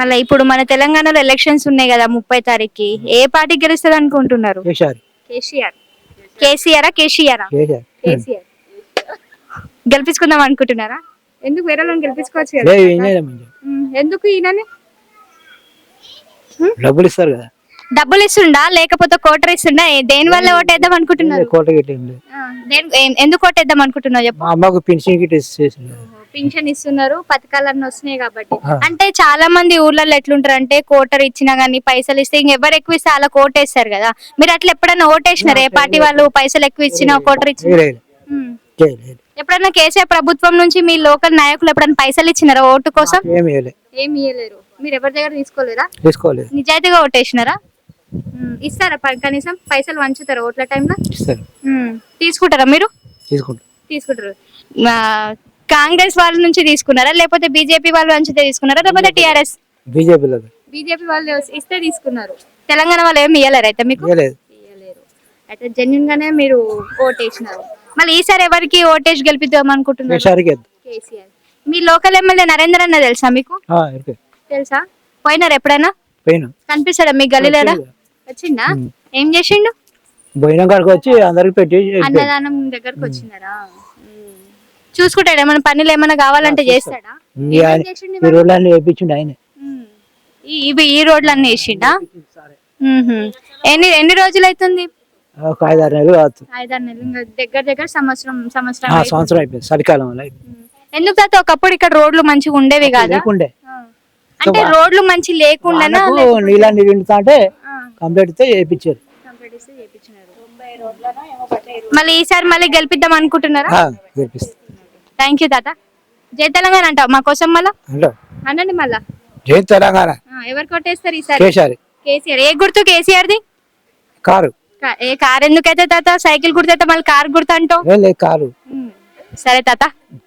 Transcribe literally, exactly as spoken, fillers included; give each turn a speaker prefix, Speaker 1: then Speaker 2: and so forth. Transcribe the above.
Speaker 1: మళ్ళీ ఇప్పుడు మన తెలంగాణలో ఎలక్షన్స్ ఉన్నాయి కదా ముప్పై తారీఖుకి ఏ పార్టీ గెలుస్తుంది అనుకుంటున్నారు?
Speaker 2: కేసీఆర్
Speaker 1: కేసీఆర్ కేసీఆర్ కేసీఆర్
Speaker 2: కేసీఆర్
Speaker 1: కేసీఆర్ గెలిపించుకుందాం అనుకుంటున్నారా? ఎందుకు వేరే వాళ్ళని గెలిపించుకోవచ్చు కదా?
Speaker 2: లేదు, ఈయనే మంచిగా.
Speaker 1: ఉమ్, ఎందుకు ఈయనని?
Speaker 2: డబ్బులు ఇస్తారు కదా.
Speaker 1: డబ్బులు ఇస్తుండా లేకపోతే కోటర్ ఇస్తుండా? ఏ- దేని వల్ల ఓటేద్దాం అనుకుంటున్నారు?
Speaker 2: కోట గిట్ల ఏం లేదు.
Speaker 1: ఆ, దేని- ఏ- ఎందుకు ఓటేద్దాం అనుకుంటున్నావు చెప్పు.
Speaker 2: మా అమ్మకు పెన్షన్ గిట్ల ఇచ్చేసింది.
Speaker 1: పింఛన్ ఇస్తున్నారు, పథకాలన్నీ వస్తున్నాయి కాబట్టి.
Speaker 2: ఆ.
Speaker 1: అంటే చాలా మంది ఊర్లలో ఎట్లుంటారు అంటే కోటర్ ఇచ్చినా గానీ పైసలు ఇస్తే ఇంకెవరు ఎక్కువ ఇస్తే అలా ఓటేస్తారు కదా. మీరు అట్లా ఎప్పుడైనా ఓటేసినారు? ఏ పార్టీ వాళ్ళు పైసలు ఎక్కువ ఇచ్చినా కోటర్ ఇచ్చిన
Speaker 2: లేదు, లేదు.
Speaker 1: ఎప్పుడన్నా కేసీఆర్ ప్రభుత్వం నుంచి మీ లోకల్ నాయకులు ఎప్పుడైనా పైసలు ఇచ్చినారా ఓటు కోసం?
Speaker 2: ఏమి ఇవ్వలేదు,
Speaker 1: ఏమి ఇయ్యలేరు. మీరు ఎవరి దగ్గర తీసుకోలేరా?
Speaker 2: తీసుకోలేదు.
Speaker 1: నిజాయితీగా ఓటేసినారా? ఉమ్, ఇస్తారా ప- కనీసం పైసలు వంచుతారా ఓట్ల టైంలో?
Speaker 2: ఇస్తారు,
Speaker 1: తీసుకుంటారా మీరు?
Speaker 2: తీసుకుంటారు.
Speaker 1: తీసుకుంటారు. ఆ, కాంగ్రెస్ వాళ్ళ నుంచి తీసుకున్నారా లేకపోతే బీజేపీ వాళ్ళు నుంచి తీసుకున్నారా లేకపోతే టిఆర్ఎస్?
Speaker 2: బీజేపీలో
Speaker 1: బీజేపీ వాళ్ళు ఇస్తే తీసుకున్నారు. తెలంగాణ వాళ్ళు ఏమి ఇయ్యలేరు అయితే మీకు?
Speaker 2: ఇవ్వలేదు.
Speaker 1: ఇయ్యలేరు. అయితే జెన్యున్ గానే మీరు ఓటేసినారు. మళ్ళీ ఈసారి ఎవరికి ఓటేసి గెలిపిద్దాం అనుకుంటున్నారు?
Speaker 2: కేసీఆర్కి వేద్దాం.
Speaker 1: కేసీఆర్. మీ లోకల్ ఎమ్మెల్యే నరేందర్ అన్న తెలుసా మీకు?
Speaker 2: ఆ, ఇరుకే.
Speaker 1: తెలుసా? పోయినారు ఎప్పుడైనా?
Speaker 2: పోయినా
Speaker 1: కనిపిస్తాడా మీ గల్లీలోనా? వచ్చిండా? ఏం చేసిండు?
Speaker 2: పోయినా కాడికి వచ్చి అందరికి పెట్టి
Speaker 1: అన్నదానం దగ్గరకు వచ్చినారా? ఉమ్. చూసుకుంటాడా? ఏమైనా పనులు ఏమైనా కావాలంటే చేస్తాడా?
Speaker 2: ఈ
Speaker 1: ఏమేం
Speaker 2: ఆయన-
Speaker 1: చేసిండు
Speaker 2: ఈ రోడ్లన్నీ వేయించిండు ఆయన.
Speaker 1: ఉమ్. ఈ- ఇవి ఈ రోడ్లన్నీ వేసిండా? ఉహుం. ఎన్ని ఎన్ని రోజులు అవుతుంది?
Speaker 2: ఒక ఐదారు నెలలు కావచ్చు.
Speaker 1: ఐదారు నెలలు. ఇంకా దగ్గర దగ్గర సంవత్సరం సంవత్సరం
Speaker 2: ఆ,
Speaker 1: అయిపోయింది.
Speaker 2: సంవత్సరం అయిపోయింది, చలికాలం వల్ల అయిపోయింది.
Speaker 1: ఉమ్. ఎందుకు తాత ఒకప్పుడు ఇక్కడ రోడ్లు మంచిగా ఉండేవి కాదా?
Speaker 2: లేకుండే
Speaker 1: ఆ. అంటే రోడ్లు మంచి లేకుండా
Speaker 2: నీళ్ళని నిండుతా అంటే కంప్లీట్ తో చేయించారు.
Speaker 1: మళ్ళీ ఈసారి మళ్ళీ గెలిపిద్దాం అనుకుంటున్నారా?
Speaker 2: చేపిస్తారు.
Speaker 1: థ్యాంక్ యూ తాత. జై తెలంగాణ అంటావు మా కోసం మళ్ళా
Speaker 2: హలో,
Speaker 1: అనండి మళ్ళా.
Speaker 2: జై తెలంగాణ.
Speaker 1: ఆ, ఎవరు కొట్టేస్తారు ఈసారి?
Speaker 2: కేసీఆర్.
Speaker 1: కేసీఆర్. ఏ గుర్తు కేసీఆర్ది?
Speaker 2: కారు.
Speaker 1: కా- ఏ కార్ ఎందుకైతే తాత? సైకిల్ గుర్తు అయితే మళ్ళీ కార్ గుర్తు అంటావు.
Speaker 2: ఏం లేదు, కారు.
Speaker 1: ఉమ్. సరే తాత.